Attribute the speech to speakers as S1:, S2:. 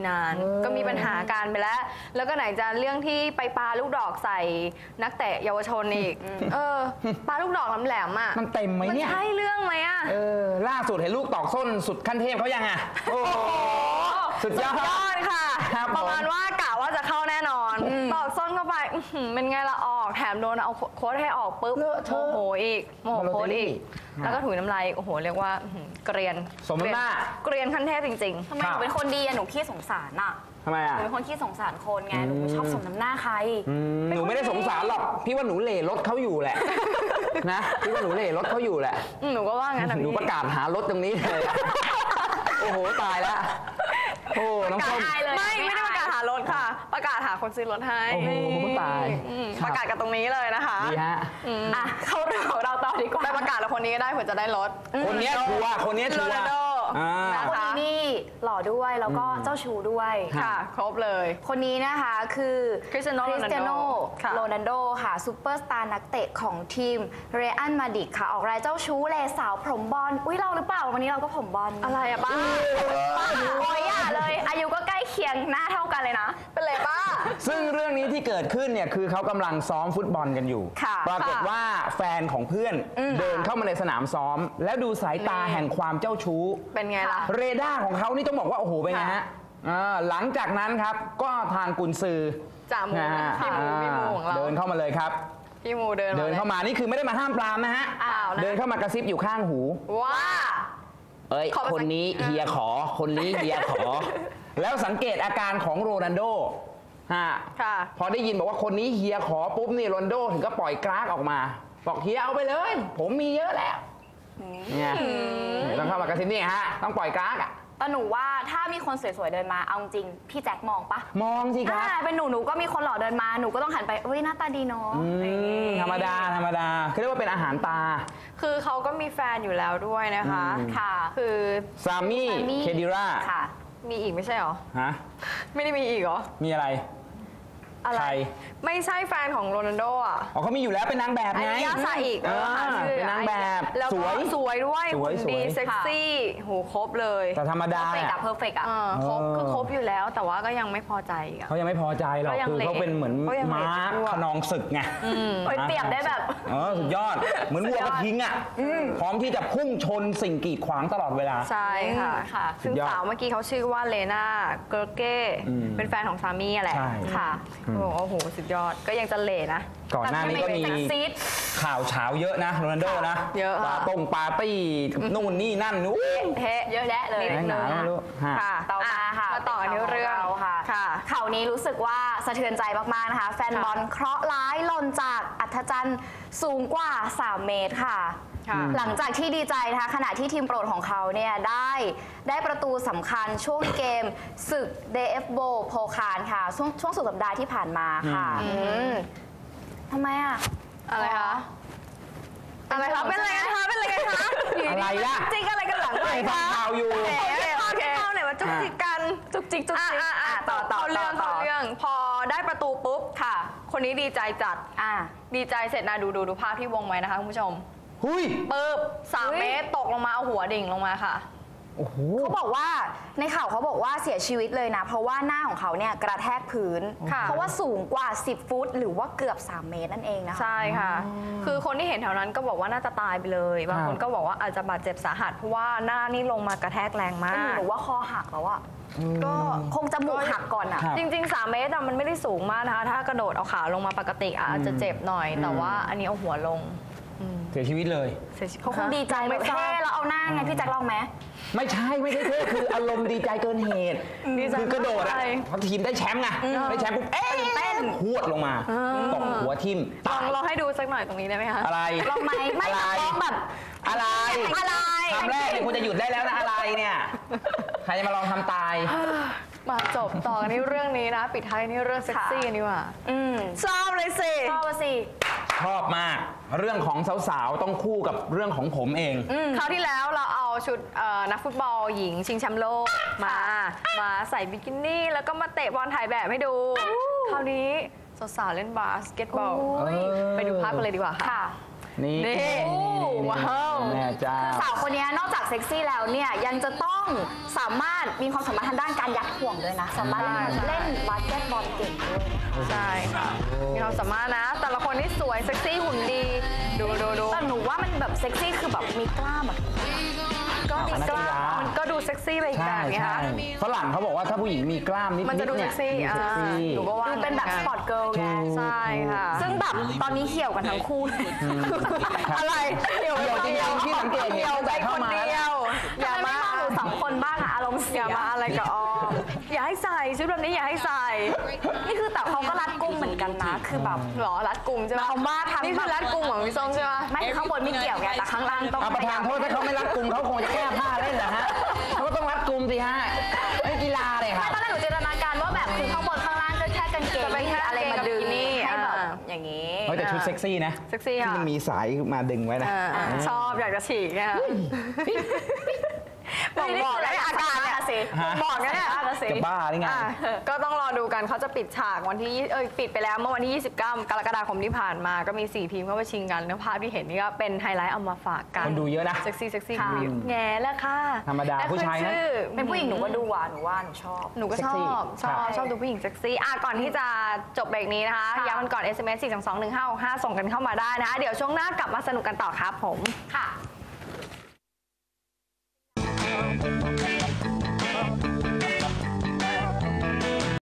S1: นานก็มีปัญหาการไปแล้วก็ไหนจะเรื่องที่ไปปาลูกดอกใส่นักเตะเยาวชนอีกปาลูกดอกแหลมๆอ่ะ
S2: มันเต็มไหมเนี่ย
S1: มันใช่เรื่องไหมอ่ะ
S2: ล่าสุดเห็นลูกตอกส้นสุดขั้นเทพเขายังอ่ะโอ้โหสุดยอด
S1: ค่ะประมาณว่ากะว่าจะเข้าแน่นอนตอกส้นเข้าไปเป็นไงละออกแถมโดนเอาโค้ดให้ออกปุ๊บโมโหอีกโมโหโค้ดอีกแล้วก็ถุยน้ำลายโอ้โหเรียกว่าเกรียน
S2: สมหน้า
S1: เกรียนขั้นเทพจริงๆ
S3: ทำไมหนูเป็นคนดีอะหนูขี้สงสารอะ
S2: ทำไมอะ
S3: หนูเป็นคนขี้สงสารคนไงหนูชอบสมน้ำหน้าใคร
S2: หนูไม่ได้สงสารหรอกพี่ว่าหนูเหล่รถเขาอยู่แหละนะพี่ว่าหนูเหล่รถเขาอยู่แหละ
S1: หนูก็ว่างั้น
S2: หนูประกาศหารถตรงนี้เลยโอ้โหตายแล้วโอ้น้องส้ม
S1: ไม่ได้ประกาศหารถค่ะประกาศหาคนซื้อรถให้
S2: โอ้โหตาย
S1: ประกาศกันตรงนี้เลยนะคะ
S2: ดีฮะ
S1: เข้าเรื่องของเราต่อดีกว่าไปประกาศแล้วคนนี้ก็ได้เผื่อจะได้รถ
S2: คนนี้ชัวร์คนนี้ชัวร์
S3: คนนี้นี่หล่อด้วยแล้วก็เจ้าชูด้วย
S1: ค่ะครบเลย
S3: คนนี้นะคะคือ
S1: คริสเตียโน
S3: โรนัลโดค่ะซูเปอร์สตาร์นักเตะของทีมเรอัลมาดริดค่ะออกรายเจ้าชู้เลสาวผมบอลอุ้ยเราหรือเปล่าวันนี้เราก็ผมบอล
S1: อะไรอะป้า
S3: โอ้ยอย่าเลยอายุก็ใกล้เคียงหน้าเท่ากันเลยนะ
S1: เป็นไรป้า
S2: ซึ่งเรื่องนี้ที่เกิดขึ้นเนี่ยคือเขากำลังซ้อมฟุตบอลกันอยู่ปรากฏว่าแฟนของเพื่อนเดินเข้ามาในสนามซ้อมแล้วดูสายตาแห่งความเจ้าชู้
S1: เป็นไงล่ะ
S2: เรดาร์ของเขานี่ต้องบอกว่าโอ้โหเป็นไงฮะหลังจากนั้นครับก็ทางกุนซือ
S1: จ่ามูพี่มูของเรา
S2: เดินเข้ามาเลยครับ
S1: พี่มูเดิน
S2: เข้ามานี่คือไม่ได้มาห้ามปรามนะฮะเดินเข้ามากระซิบอยู่ข้างหู
S1: ว่า
S2: คนนี้เฮียขอคนนี้เฮียขอแล้วสังเกตอาการของโรนัลโดพอได้ยินบอกว่าคนนี้เฮียขอปุ๊บนี่โรนัลโดถึงก็ปล่อยกราฟออกมาบอกเฮียเอาไปเลยผมมีเยอะแล้วเนี่ยต้องเข้ามากระซิบนี่ฮะต้องปล่อยกราฟอ่ะ
S3: แต่หนูว่าถ้ามีคนสวยๆเดินมาเอาจริงพี่แจ็คมองปะ
S2: มองสิครับ
S3: เป็นหนูก็มีคนหล่อเดินมาหนูก็ต้องหันไปเฮ้ยหน้าตาดีเนาะ
S2: ธรรมดาคือเรียกว่าเป็นอาหารตา
S1: คือเขาก็มีแฟนอยู่แล้วด้วยนะคะ
S3: ค่ะ
S1: คือ
S2: ซามี่เคดิรา
S3: ค่ะ
S1: มีอีกไม่ใช่หรอ
S2: ฮะ
S1: ไม่ได้มีอีกเหรอ
S2: มีอะไร
S1: ใครไม่ใช่แฟนของโรนัลโดอ่ะ
S2: เขามีอยู่แล้วเป็นนางแบบไง
S1: ยาซาอีก
S2: เป็นนางแบบ
S1: แล้วก็สวยด้วยดีเซ็กซี่โหครบเลย
S2: แต่ธรรมดา
S3: เพอร์เฟกต์
S1: ครบคือครบอยู่แล้วแต่ว่าก็ยังไม่พอใจ
S2: เขายังไม่พอใจหรอกคือเขาเป็นเหมือนม้าขนองศึกไง
S3: เปรียบได้แบบ
S2: สุดยอดเหมือนวัวกระทิงอ่ะพร้อมที่จะพุ่งชนสิ่งกีดขวางตลอดเวลา
S1: ใช่ค่ะซึ่งสาวเมื่อกี้เขาชื่อว่าเลนาเกอร์เก้เป็นแฟนของซามี่แหละค่ะโอ้โหสุดยอดก็ยังจะเละนะ
S2: ก่อนหน้านี้ก็มีข่าวเช้าเยอะนะโรนัลโดนะ
S1: เยอะ
S2: ปาร์ตี้นู่นนี่นั่นนู้
S3: เยอะแยะเลย
S1: ค่ะต่อมาค่ะมาต่อในเรื่อง
S3: ค่ะข่าวนี้รู้สึกว่าสะเทือนใจมากๆนะคะแฟนบอลเคราะห์ร้ายหล่นจากอัธจันทร์สูงกว่า3 เมตรค่ะหลังจากที่ดีใจนะคะขณะที่ทีมโปรดของเขาเนี่ยได้ประตูสำคัญช่วงเกมศึก DFB โพคารค่ะช่วงสุดสัปดาห์ที่ผ่านมาค่ะทำไม
S1: อะไรคะอะไรคะเป็นอะไรกันคะเป็นอะไรกันคะ
S2: อะไรล่ะ
S1: จริงอะไรกันหลังไปคะ
S2: ข่าวอยู่
S1: ข่าวไหนว่าจุกจิกกันจุกจิกต่อเรื่องพอได้ประตูปุ๊บค่ะคนนี้ดีใจจัดดีใจเสร็จนะดูภาพที่วงไว้นะคะคุณผู้ชมปึ๊บ3 เมตรตกลงมาเอาหัวดิ่งลงมาค่ะ
S3: เขาบอกว่าในข่าวเขาบอกว่าเสียชีวิตเลยนะเพราะว่าหน้าของเขาเนี่ยกระแทกพื้นเพราะว่าสูงกว่า10 ฟุตหรือว่าเกือบ3 เมตรนั่นเองนะคะ
S1: ใช่ค่ะคือคนที่เห็นแถวนั้นก็บอกว่าน่าจะตายไปเลยบางคนก็บอกว่าอาจจะบาดเจ็บสาหัสเพราะว่าหน้านี่ลงมากระแทกแรงมาก
S3: หรือว่าคอหักแล้วอะก็คงจมูกหักก่อนอะ
S1: จริงๆ3 เมตรมันไม่ได้สูงมากนะคะถ้ากระโดดเอาขาลงมาปกติอาจจะเจ็บหน่อยแต่ว่าอันนี้เอาหัวลง
S2: เสียชีวิตเลย
S3: เขาคงดีใจไม่เท่แล้วเอาหน้าไงพี่แจ็คลองไหม
S2: ไม่ใช่เท่คืออารมณ์ดีใจเกินเหตุคือกระโดดอ่ะพอทีมได้แชมป์ไงได้แชมป์ปุ๊บเต้นพวดลงมาตกหัวทิ่ม
S1: ลองให้ดูสักหน่อยตรงนี้ได้ไหมคะ
S2: อะไร
S3: ลองไหมไม่ลองแบบ
S2: อะไรคำแรกเนี่ยคุณจะหยุดได้แล้วนะอะไรเนี่ยใครจะมาลองทำตาย
S1: มาจบต่อกันที่เรื่องนี้นะปิดท้ายนี่เรื่องเซ็กซี่นี่ว่าชอบเลยสิ
S3: ช
S2: อบมากเรื่องของสาวๆต้องคู่กับเรื่องของผมเอง
S1: คราวที่แล้วเราเอาชุดนักฟุตบอลหญิงชิงแชมป์โลกมาใส่บิกินี่แล้วก็มาเตะบอลถ่ายแบบให้ดูคราวนี้สาวๆเล่นบาสเกตบอลไปดูภาพกันเลยดีกว่าค่ะ
S2: นี่
S1: ว้าว
S2: แม่เจ้า
S3: สาวคนนี้นอกจากเซ็กซี่แล้วเนี่ยยังจะต้องสามารถมีความสามารถทางด้านการยัดห่วงด้วยนะ สามารถเล่นบาสเกตบอลเก่งด้วย
S1: ใช่ค่ะมีความสามารถนะ แต่ละคนนี่สวยเซ็กซี่หุ่นดี ดู
S3: แต่หนูว่ามันแบบเซ็กซี่คือแบบมีกล้ามแบบ
S1: ก็มีกล้ามมันก็ดูเซ็กซี่ไปอีก
S2: ใช่
S1: แบบนี้
S2: ใช่
S1: ค่ะ
S2: ฝรั่งเขาบอกว่าถ้าผู้หญิงมีกล้ามนิดๆ
S1: มันจะดู
S2: เนี่
S1: เซ็
S2: ย
S1: กซี่
S2: ดูเซ็กซี่
S1: หนูก็ว่า
S3: ดูเป็นแบบสปอร์ตเกิร์ลไง
S1: ใช่ค่ะ
S3: ซึ่งแบบตอนนี้เหี่ยวกันทั้งคู่
S1: อะไรเหี่ยว
S2: จริงๆที่สังเกตเห็น
S1: เหี่ยว
S2: ตั้ง
S1: ไป
S2: แต่
S1: ค
S2: เข้าน มา
S1: เดียว อย่า
S3: ไม่
S1: มา
S3: มองหนูสองคนบ้างอะอารมณ์เสี
S1: อย่ามาอะไรกับออมอย่าให้ใส่ชุดแบบนี้อย่าให้ใส่
S3: นี่คือแต่เขาก็รัดกุมเหมือนกันนะ คือแบบ
S1: หรอรัดกลุ่มใช่ไหม
S3: เรามาทำ
S1: นี่คือรัดกลุ่มของพี่ส้มใช่ไหม
S3: ไม่ข้างบนไม่เกี่ยวไงแต่ข้างล่างต้อง
S2: ประธานโทษถ้าเขาไม่รัดกุมเขาคงจะแก้ผ้าเล่นเหรอฮะเขาก็ต้องรัดกุมสิฮะไอ้กีฬาเลยค
S3: ไม่
S2: รับ
S3: ตอนแรกหนูจินตนาการว่าแบบคือข้างบนข้างล่างก็แค่กางเกง
S1: จะเป็นแค่
S3: อะไรมาดึง
S1: กางเกงกับบิกินี่
S3: ให้แบบ
S1: อ่า
S3: อย่างนี้
S2: เฮ้ยแต่ชุดเซ็กซี่นะ
S1: เซ็กซี่
S2: ที่
S1: ค่ะ
S2: มันมีสายมาดึงไว้นะ
S1: ชอบอยากจะฉีกเนี่ยบอกได้อาการเนี่ย
S3: สิ
S2: ฮะ
S1: บอกนะเนี่ย
S2: จะบ้าหรือไง
S1: อ่ะก็ต้องรอดูกันเขาจะปิดฉากวันที่ปิดไปแล้วเมื่อวันที่ 29 กรกฎาคมที่ผ่านมาก็มี 4 ทีมเข้าไปชิงกันแล้วภาพที่เห็นนี่ก็เป็นไฮไลท์เอามาฝากกัน
S2: คนดูเยอะนะ
S1: เซ็กซี่
S3: ค่ะ
S1: แง่แล้วค่ะ
S2: ธรรมดา
S1: และ
S2: ผู้ชายนะ
S1: ขึ้ชื่อ
S3: เป็นผู้หญิงหนูก็ดูอ่ะหนูว่าหนูชอบ
S1: หนูก็
S2: เซ็
S1: ช
S2: กซี่
S1: อบ
S2: ครับ
S1: ชอบดูผู้หญิงเซ็กซี่ก่อนที่จะจบเบรกนี้นะคะ
S3: ค่ะ
S1: ย้ำกันก่อน SMS 4221565 ส่งกันเข้ามาได้นะคะเดี๋ยวช่วงหน้ากลับมาสนุกกันต่อครับผม
S3: ค่ะ